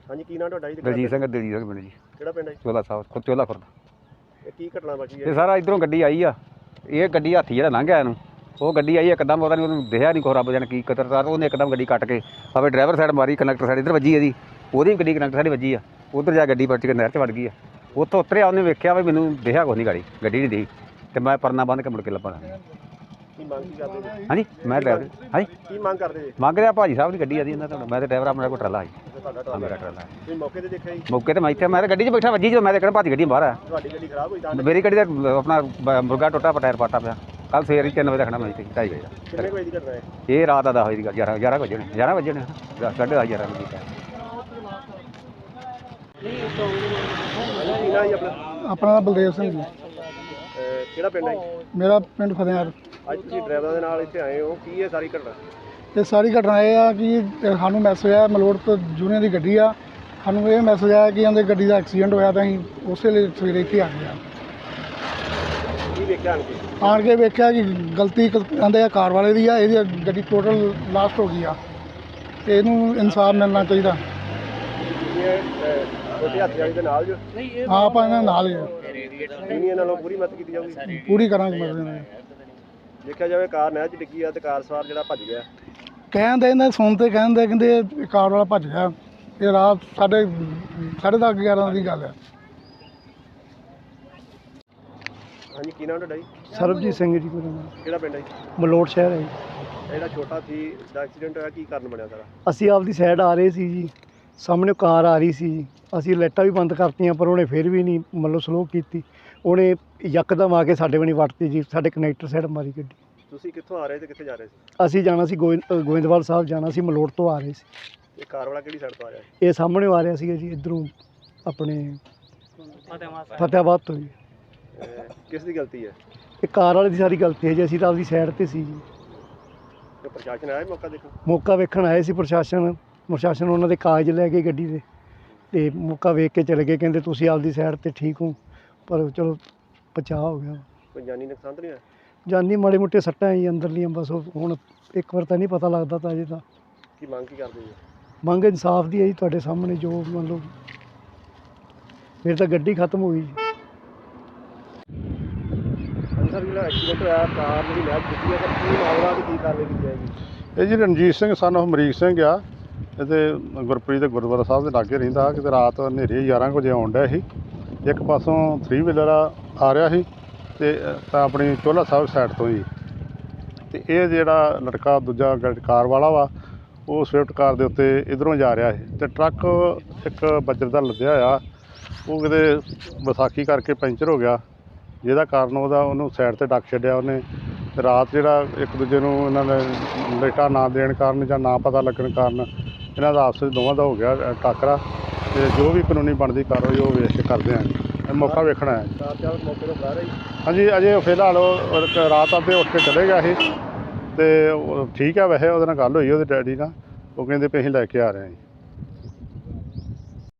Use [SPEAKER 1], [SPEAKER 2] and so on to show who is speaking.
[SPEAKER 1] ਹਾਂਜੀ ਕੀ ਨਾਮ ਤੁਹਾਡਾ ਜੀ?
[SPEAKER 2] ਦਲਜੀਤ ਸਿੰਘ ਪਿੰਡ ਜੀ।
[SPEAKER 1] ਕਿਹੜਾ ਪਿੰਡ ਹੈ?
[SPEAKER 2] ਚੋਲਾ ਸਾਹਿਬ ਚੋਲਾ ਖੁਰਦ।
[SPEAKER 1] ਇਹ ਕੀ ਘਟਨਾ ਵਾਪਰੀ
[SPEAKER 2] ਇਹ
[SPEAKER 1] ਹੈ?
[SPEAKER 2] ਸਾਰਾ ਇੱਧਰੋਂ ਗੱਡੀ ਆਈ ਆ, ਇਹ ਗੱਡੀ ਹਾਥੀ ਜਿਹੜਾ ਲੰਘ ਗਿਆ ਇਹਨੂੰ, ਉਹ ਗੱਡੀ ਆਈ ਇੱਕਦਮ, ਪਤਾ ਨਹੀਂ ਉਹਨੂੰ ਦਿਖਿਆ ਨਹੀਂ, ਕੋਈ ਰੱਬ ਜਾਣੇ ਕੀ ਕਦਰਦਾਰ, ਉਹਨੇ ਇੱਕਦਮ ਗੱਡੀ ਕੱਟ ਕੇ ਭਾਵੇਂ ਡਰਾਈਵਰ ਸਾਈਡ ਮਾਰੀ, ਕੰਡਕਟਰ ਸਾਈਡ ਇੱਧਰ ਵੱਜੀ ਇਹਦੀ, ਉਹਦੀ ਵੀ ਗੱਡੀ ਕੰਡਕਟਰ ਸਾਈਡ ਵੱਜੀ ਆ, ਉੱਧਰ ਜਾ ਗੱਡੀ ਪਲਟ ਕੇ ਨਹਿਰ 'ਚ ਵੜ ਗਈ ਆ। ਉੱਥੋਂ ਉਤਰਿਆ, ਉਹਨੇ ਵੇਖਿਆ ਵੀ ਮੈਨੂੰ ਦਿਖਿਆ ਕੁਛ ਨਹੀਂ, ਗੱਡੀ ਨਹੀਂ ਦਿਖੀ, ਅਤੇ ਮੈਂ ਪਰਨਾ ਬੰਨ੍ਹ ਕੇ ਮੁੜ ਕੇ ਲੱਭਣਾ।
[SPEAKER 1] ਕੀ ਮੰਗ ਕੀ ਕਰਦੇ ਜੀ?
[SPEAKER 2] ਹਾਂਜੀ ਮੈਂ ਡਰਾਈਵਰ, ਹਾਂਜੀ
[SPEAKER 1] ਕੀ ਮੰਗ ਕਰਦੇ ਜੀ?
[SPEAKER 2] ਮੰਗ ਰਿਹਾ ਭਾਜੀ ਸਾਹਿਬ ਦੀ ਗੱਡੀ ਆਦੀ ਇਹਨਾਂ ਤੋਂ, ਮੈਂ ਤਾਂ ਡਰਾਈਵਰ, ਆਪਣਾ ਕੋਈ ਟਰਾਲਾ ਸੀ, ਮੇਰਾ ਟਰਾਲਾ।
[SPEAKER 1] ਤੁਸੀਂ ਮੌਕੇ ਤੇ ਦੇਖਿਆ ਜੀ?
[SPEAKER 2] ਮੌਕੇ ਤੇ ਮੈਂ ਇੱਥੇ, ਮੈਂ ਤਾਂ ਗੱਡੀ 'ਚ ਬੈਠਾ, ਵੱਜੀ ਜਦੋਂ ਮੈਂ ਤਾਂ ਕਹਿੰਦਾ ਭਾਜੀ ਗੱਡੀ ਬਾਹਰ ਆ।
[SPEAKER 1] ਤੁਹਾਡੀ ਗੱਡੀ ਖਰਾਬ ਹੋਈ ਤਾਂ?
[SPEAKER 2] ਮੇਰੀ ਗੱਡੀ ਦਾ ਆਪਣਾ ਮੁਰਗਾ ਟੁੱਟਾ, ਟਾਇਰ ਪਾਟਾ ਪਿਆ। ਕੱਲ ਸਵੇਰੇ 3 ਵਜੇ ਰੱਖਣਾ ਮੈਂ ਇੱਥੇ 2:30 ਵਜੇ ਦਾ।
[SPEAKER 1] ਕਿੰਨੇ ਵਜੇ ਦੀ ਘਟਨਾ ਹੈ?
[SPEAKER 2] ਇਹ ਰਾਤ ਦਾ 10 ਵਜੇ ਦੀ ਗੱਲ, 11 ਵਜੇ 11 ਵਜੇ 10:30 11 ਵਜੇ ਦੀ।
[SPEAKER 1] ਕੀ ਨਾਮ ਜੀ ਆਪਣਾ?
[SPEAKER 3] ਆਪਣਾ ਨਾਮ ਬਲਦੇਵ ਸਿੰਘ ਜੀ।
[SPEAKER 1] ਕਿਹੜਾ ਪਿੰਡ ਹੈ ਜੀ?
[SPEAKER 3] ਮੇਰਾ ਪਿੰਡ ਫਤਿਹਗੜ੍ਹ।
[SPEAKER 1] ਅੱਜ ਤੁਸੀਂ ਡਰਾਈਵਰਾਂ ਦੇ ਨਾਲ ਇੱਥੇ ਆਏ ਹੋ, ਕੀ ਹੈ ਸਾਰੀ ਘਟਨਾ?
[SPEAKER 3] ਇਹ ਸਾਰੀ ਘਟਨਾ ਇਹ ਆ ਕਿ ਸਾਨੂੰ ਮੈਸੇਜ ਆਇਆ, ਮਲੋਟ ਤੋਂ ਜੂਨੀਅਰ ਦੀ ਗੱਡੀ ਆ, ਸਾਨੂੰ ਇਹ ਮੈਸੇਜ ਆਇਆ ਕਿ ਇਹਦੇ ਗੱਡੀ ਦਾ ਐਕਸੀਡੈਂਟ ਹੋਇਆ, ਤਾਂ ਅਸੀਂ ਉਸੇ ਲਈ ਸਵੇਰੇ ਇੱਥੇ ਆ ਗਏ।
[SPEAKER 1] ਕੀ ਵੇਖਿਆ
[SPEAKER 3] ਆਣ ਕੇ ਵੇਖਿਆ ਕਿ ਗਲਤੀ ਕਹਿੰਦੇ ਆ ਕਾਰ ਵਾਲੇ ਦੀ ਆ, ਇਹਦੀ ਗੱਡੀ ਟੋਟਲ ਲਾਸਟ ਹੋ ਗਈ ਆ, ਤੇ ਇਹਨੂੰ ਇਨਸਾਫ ਮਿਲਣਾ ਚਾਹੀਦਾ।
[SPEAKER 1] ਛੋਟੇ ਹਾਥੀ ਵਾਲੀ ਦੇ ਨਾਲ ਜੋ
[SPEAKER 3] ਹਾਂ, ਆਪਾਂ ਇਹਨਾਂ ਨਾਲ ਹੀ ਆ।
[SPEAKER 1] ਯੂਨੀਅਨ ਨਾਲੋਂ ਪੂਰੀ ਮਦਦ ਕੀਤੀ ਜਾਊਗੀ?
[SPEAKER 3] ਪੂਰੀ ਕਰਾਂਗੇ ਮਦਦ ਨਾਲ।
[SPEAKER 1] ਦੇਖਿਆ ਜਾਵੇ ਕਾਰ ਨਹਿਰ 'ਚ ਡਿੱਗੀ ਆ ਤੇ ਕਾਰ ਸਵਾਰ ਜਿਹੜਾ ਭੱਜ ਗਿਆ।
[SPEAKER 3] ਕਹਿੰਦੇ ਇਹਨਾਂ ਸੁਣਦੇ ਕਹਿੰਦੇ ਕਾਰ ਵਾਲਾ ਭੱਜ ਗਿਆ। ਇਹ ਰਾਤ 10:30 11 ਦੀ ਗੱਲ ਹੈ।
[SPEAKER 1] ਹਾਂਜੀ ਕੀ ਨਾਮ ਤੁਹਾਡਾ ਜੀ?
[SPEAKER 3] ਸਰਬਜੀਤ ਸਿੰਘ ਜੀ ਮੇਰਾ ਨਾਮ।
[SPEAKER 1] ਕਿਹੜਾ ਪਿੰਡ ਹੈ ਜੀ?
[SPEAKER 3] ਮਲੋਟ ਸ਼ਹਿਰ ਹੈ ਜੀ।
[SPEAKER 1] ਜਿਹੜਾ ਛੋਟਾ ਸੀ ਦਾ ਐਕਸੀਡੈਂਟ ਹੋਇਆ, ਕੀ ਕਾਰਨ ਬਣਿਆ ਸਾਰਾ?
[SPEAKER 3] ਅਸੀਂ ਆਪਦੀ ਸਾਈਡ ਆ ਰਹੇ ਸੀ ਜੀ, ਸਾਹਮਣੇ ਕਾਰ ਆ ਰਹੀ ਸੀ, ਅਸੀਂ ਲਾਈਟਾਂ ਵੀ ਬੰਦ ਕਰਤੀਆਂ, ਪਰ ਉਹਨੇ ਫਿਰ ਵੀ ਨਹੀਂ ਮਤਲਬ ਸਲੋ ਕੀਤੀ, ਉਹਨੇ ਯਕਦਮ ਆ ਕੇ ਸਾਡੇ ਬਣੀ ਵੱਟਤੀ ਜੀ, ਸਾਡੇ ਕਨੈਕਟਰ ਸਾਈਡ ਮਾਰੀ ਗੱਡੀ।
[SPEAKER 1] ਤੁਸੀਂ ਕਿੱਥੋਂ ਆ ਰਹੇ ਤੇ ਕਿੱਥੇ ਜਾ ਰਹੇ ਸੀ?
[SPEAKER 3] ਅਸੀਂ ਜਾਣਾ ਸੀ ਗੋਇੰਦਵਾਲ ਸਾਹਿਬ ਜਾਣਾ ਸੀ, ਮਲੋਟ ਤੋਂ ਆ ਰਹੇ ਸੀ।
[SPEAKER 1] ਇਹ ਕਾਰ ਵਾਲਾ ਕਿਹੜੀ ਸਾਈਡ ਤੋਂ ਆਇਆ?
[SPEAKER 3] ਇਹ ਸਾਹਮਣੇ ਆ ਰਿਹਾ ਸੀਗਾ ਜੀ, ਇੱਧਰੋਂ ਆਪਣੇ ਫਤਿਆਬਾਦ ਤੋਂ ਜੀ।
[SPEAKER 1] ਕਿਸ ਦੀ ਗਲਤੀ ਹੈ?
[SPEAKER 3] ਇਹ ਕਾਰ ਵਾਲੇ ਦੀ ਸਾਰੀ ਗਲਤੀ ਹੈ ਜੀ, ਅਸੀਂ ਤਾਂ ਆਪਦੀ ਸਾਈਡ 'ਤੇ ਸੀ ਜੀ।
[SPEAKER 1] ਤੇ ਪ੍ਰਸ਼ਾਸਨ ਆਇਆ ਮੌਕਾ ਦੇਖੋ?
[SPEAKER 3] ਮੌਕਾ ਵੇਖਣ ਆਏ ਸੀ ਪ੍ਰਸ਼ਾਸਨ ਉਹਨਾਂ ਦੇ ਕਾਗਜ਼ ਲੈ ਕੇ ਗੱਡੀ ਦੇ, ਤੇ ਮੌਕਾ ਵੇਖ ਕੇ ਚਲੇ ਗਏ, ਕਹਿੰਦੇ ਤੁਸੀਂ ਆਪਦੀ ਸਾਈਡ 'ਤੇ ਠੀਕ ਹੋ, ਪਰ ਚਲੋ ਬਚਾਅ ਹੋ ਗਿਆ।
[SPEAKER 1] ਕੋਈ ਜਾਨੀ ਨੁਕਸਾਨ ਤਾਂ ਨਹੀਂ ਹੋਇਆ?
[SPEAKER 3] ਜਾਨੀ ਮਾੜੇ ਮੋਟੇ ਸੱਟਾਂ ਜੀ ਅੰਦਰਲੀਆਂ, ਬਸ ਹੁਣ ਇੱਕ ਵਾਰ ਤਾਂ ਨਹੀਂ ਪਤਾ ਲੱਗਦਾ ਤਾਂ ਅਜੇ ਤਾਂ।
[SPEAKER 1] ਕੀ ਮੰਗ ਕੀ ਕਰਦੇ ਜੀ?
[SPEAKER 3] ਮੰਗ ਇਨਸਾਫ ਦੀ ਹੈ ਜੀ, ਤੁਹਾਡੇ ਸਾਹਮਣੇ ਜੋ ਮੰਨ ਲਓ, ਮੇਰੀ ਤਾਂ ਗੱਡੀ ਖਤਮ ਹੋ ਗਈ ਜੀ।
[SPEAKER 1] ਸਰ ਜਿਹੜਾ ਐਕਸੀਡੈਂਟ ਹੋਇਆ, ਕਾਰ ਜਿਹੜੀ ਨਹਿਰ 'ਚ ਡਿੱਗੀ ਹੈ, ਕੀ ਮਾਮਲਾ ਤੇ ਕੀ ਕਾਰਵਾਈ ਕੀਤੀ ਜਾਏਗੀ?
[SPEAKER 4] ਇਹ ਜੀ ਰਣਜੀਤ ਸਿੰਘ son of ਅਮਰੀਕ ਸਿੰਘ ਆ, ਇਹਦੇ ਗੁਰਪ੍ਰੀਤ ਦੇ ਗੁਰਦੁਆਰਾ ਸਾਹਿਬ ਦੇ ਲਾਗੇ ਰਹਿੰਦਾ। ਕਿਤੇ ਰਾਤ ਹਨੇਰੇ 11 ਵਜੇ ਆਉਣ ਡਿਆ ਸੀ, ਇੱਕ ਪਾਸੋਂ 3 ਵੀਲਰ ਆ ਰਿਹਾ ਸੀ ਤੇ ਤਾਂ ਆਪਣੀ ਚੋਲਾ ਸਾਹਿਬ ਸਾਈਡ ਤੋਂ ਜੀ, ਤੇ ਇਹ ਜਿਹੜਾ ਲੜਕਾ ਦੂਜਾ ਕਾਰ ਵਾਲਾ ਵਾ, ਉਹ ਸਵਿਫਟ ਕਾਰ ਦੇ ਉੱਤੇ ਇੱਧਰੋਂ ਜਾ ਰਿਹਾ ਸੀ, ਤੇ ਟਰੱਕ ਇੱਕ ਬੱਜਰ ਦਾ ਲੱਦਿਆ ਹੋਇਆ, ਉਹ ਕਿਤੇ ਵਿਸਾਖੀ ਕਰਕੇ ਪੈਂਚਰ ਹੋ ਗਿਆ, ਜਿਹਦਾ ਕਾਰਨ ਉਹਨੂੰ ਸਾਈਡ 'ਤੇ ਡੱਕ ਛੱਡਿਆ ਉਹਨੇ। ਰਾਤ ਜਿਹੜਾ ਇੱਕ ਦੂਜੇ ਨੂੰ ਇਹਨਾਂ ਨੇ ਲਾਈਟਾਂ ਨਾ ਦੇਣ ਕਾਰਨ ਜਾਂ ਨਾ ਪਤਾ ਲੱਗਣ ਕਾਰਨ ਇਹਨਾਂ ਦਾ ਆਪਸ ਵਿੱਚ ਦੋਵਾਂ ਦਾ ਹੋ ਗਿਆ ਟਾਕਰਾ, ਤੇ ਜੋ ਵੀ ਕਾਨੂੰਨੀ ਬਣਦੀ ਕਾਰਵਾਈ ਉਹ ਵੇਖ ਕੇ ਕਰਦੇ ਹਾਂ। ਮੌਕਾ ਵੇਖਣਾ ਹੈ।
[SPEAKER 1] ਕਾਰ ਚਾਲਕ ਮੌਕੇ ਤੋਂ ਫਰਾਰ ਹੈ ਜੀ?
[SPEAKER 4] ਹਾਂਜੀ, ਅਜੇ ਫਿਲਹਾਲ ਉਹ ਰਾਤ ਅੱਧੇ ਉੱਠ ਕੇ ਚਲੇ ਗਿਆ ਸੀ, ਤੇ ਠੀਕ ਹੈ। ਵੈਸੇ ਉਹਦੇ ਨਾਲ ਗੱਲ ਹੋਈ ਉਹਦੇ ਡੈਡੀ ਨਾਲ, ਉਹ ਕਹਿੰਦੇ ਵੀ ਅਸੀਂ ਲੈ ਕੇ ਆ ਰਹੇ ਹਾਂ ਜੀ।